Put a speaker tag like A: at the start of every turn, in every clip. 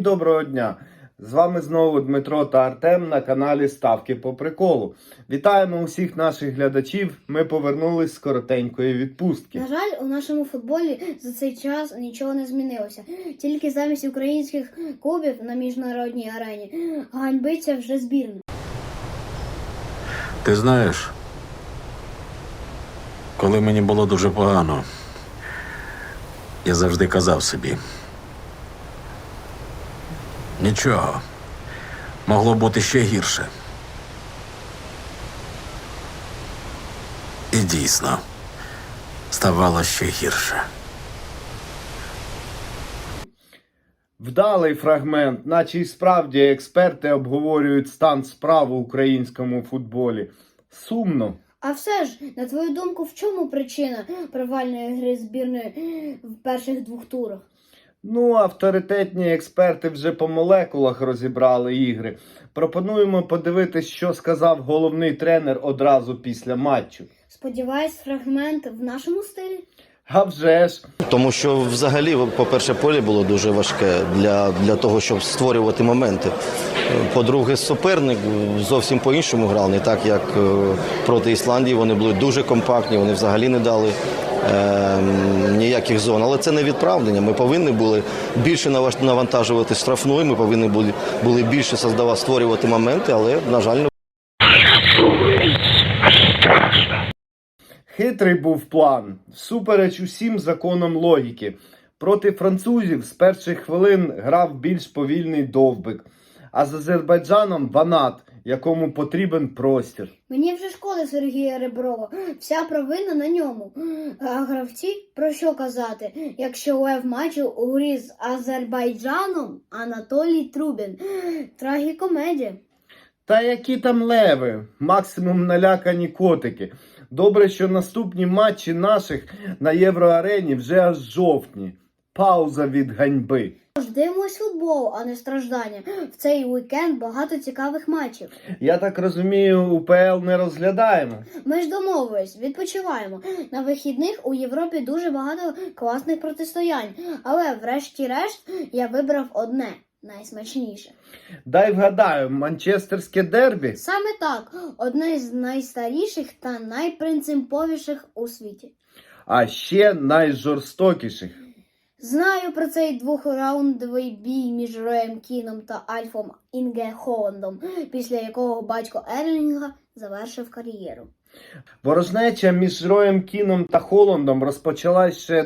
A: доброго дня! З вами знову Дмитро та Артем на каналі Ставки по приколу. Вітаємо усіх наших глядачів, ми повернулись з коротенької відпустки.
B: На жаль, у нашому футболі за цей час нічого не змінилося. Тільки замість українських клубів на міжнародній арені ганьбиться вже збірна.
C: Ти знаєш, коли мені було дуже погано, я завжди казав собі: нічого, могло бути ще гірше. І дійсно, ставало ще гірше.
A: Вдалий фрагмент, наче й справді експерти обговорюють стан справ у українському футболі. Сумно.
B: А все ж, на твою думку, в чому причина провальної гри збірної в перших двох турах?
A: Авторитетні експерти вже по молекулах розібрали ігри. Пропонуємо подивитись, що сказав головний тренер одразу після матчу.
B: Сподіваюсь, фрагмент в нашому стилі?
A: А вже ж!
D: Тому що взагалі, по-перше, поле було дуже важке для того, щоб створювати моменти. По-друге, суперник зовсім по-іншому грав, не так, як проти Ісландії. Вони були дуже компактні, вони взагалі не дали ніяких зон. Але це не відправлення. Ми повинні були більше навантажувати штрафну, ми повинні були більше створювати моменти, але, на жаль, не.
A: Хитрий був план, всупереч усім законам логіки. Проти французів з перших хвилин грав більш повільний Довбик, а з Азербайджаном Ванат, якому потрібен простір.
B: Мені вже шкода Сергія Реброва, вся провина на ньому. А гравці, про що казати, якщо лев матчу у грі з Азербайджаном Анатолій Трубін. Трагікомедія.
A: Та які там леви, максимум налякані котики. Добре, що наступні матчі наших на Євроарені вже аж жовтні. Пауза від ганьби.
B: Дивимось футбол, а не страждання. В цей уікенд багато цікавих матчів.
A: Я так розумію, УПЛ не розглядаємо.
B: Ми ж домовились, відпочиваємо. На вихідних у Європі дуже багато класних протистоянь. Але врешті-решт я вибрав одне. Найсмачніше.
A: Дай вгадаю, манчестерське дербі?
B: Саме так. Одне з найстаріших та найпринциповіших у світі.
A: А ще найжорстокіших.
B: Знаю про цей двохраундовий бій між Роєм Кіном та Альфом Інге Холландом, після якого батько Ерлінга завершив кар'єру.
A: Ворожнеча між Роєм Кіном та Холландом розпочалась ще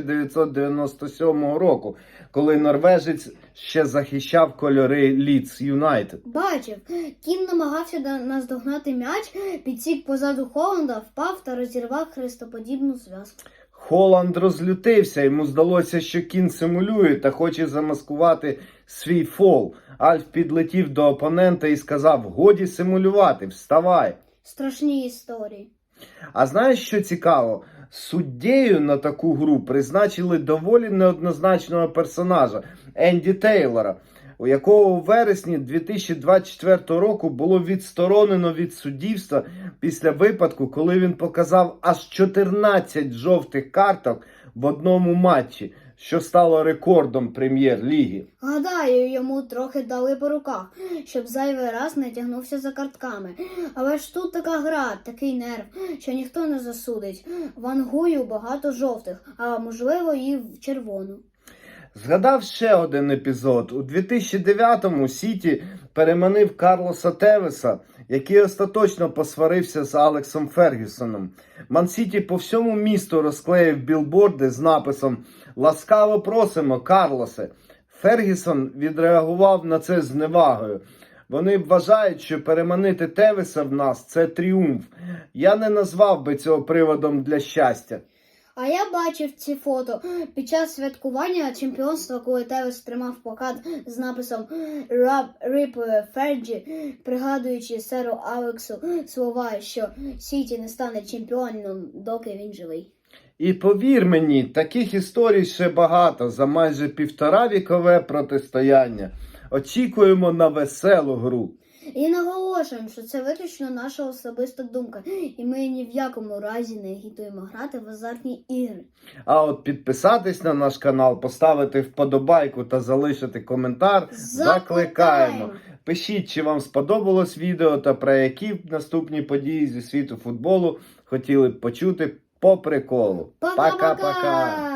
A: 1997 року, коли норвежець ще захищав кольори Лідс Юнайтед.
B: Бачив, Кін намагався наздогнати м'яч, підсік позаду Холланда, впав та розірвав хрестоподібну зв'язку.
A: Холланд розлютився, йому здалося, що Кін симулює та хоче замаскувати свій фол. Альф підлетів до опонента і сказав: «Годі симулювати, вставай».
B: Страшні історії.
A: А знаєш, що цікаво? Суддєю на таку гру призначили доволі неоднозначного персонажа – Енді Тейлора, у якого у вересні 2024 року було відсторонено від суддівства після випадку, коли він показав аж 14 жовтих карток в одному матчі, що стало рекордом прем'єр-ліги.
B: Гадаю, йому трохи дали по руках, щоб зайвий раз не тягнувся за картками. Але ж тут така гра, такий нерв, що ніхто не засудить. Вангую багато жовтих, а можливо і в червону.
A: Згадав ще один епізод. У 2009-му Сіті переманив Карлоса Тевеса, який остаточно посварився з Алексом Фергюсоном. Ман-Сіті по всьому місту розклеїв білборди з написом «Ласкаво просимо, Карлосе». Фергюсон відреагував на це з зневагою. Вони вважають, що переманити Тевеса в нас – це тріумф. Я не назвав би цього приводом для щастя.
B: А я бачив ці фото під час святкування чемпіонства, коли Тевес тримав плакат з написом «Rip Fergie», пригадуючи серу Алексу слова, що Сіті не стане чемпіоном, доки він живий.
A: І повір мені, таких історій ще багато за майже 1,5-вікове протистояння. Очікуємо на веселу гру.
B: І наголошуємо, що це виключно наша особиста думка, і ми ні в якому разі не агітуємо грати в азартні ігри.
A: А от підписатись на наш канал, поставити вподобайку та залишити коментар закликаємо. Пишіть, чи вам сподобалось відео та про які б наступні події зі світу футболу хотіли б почути по приколу.
B: Пока-пока!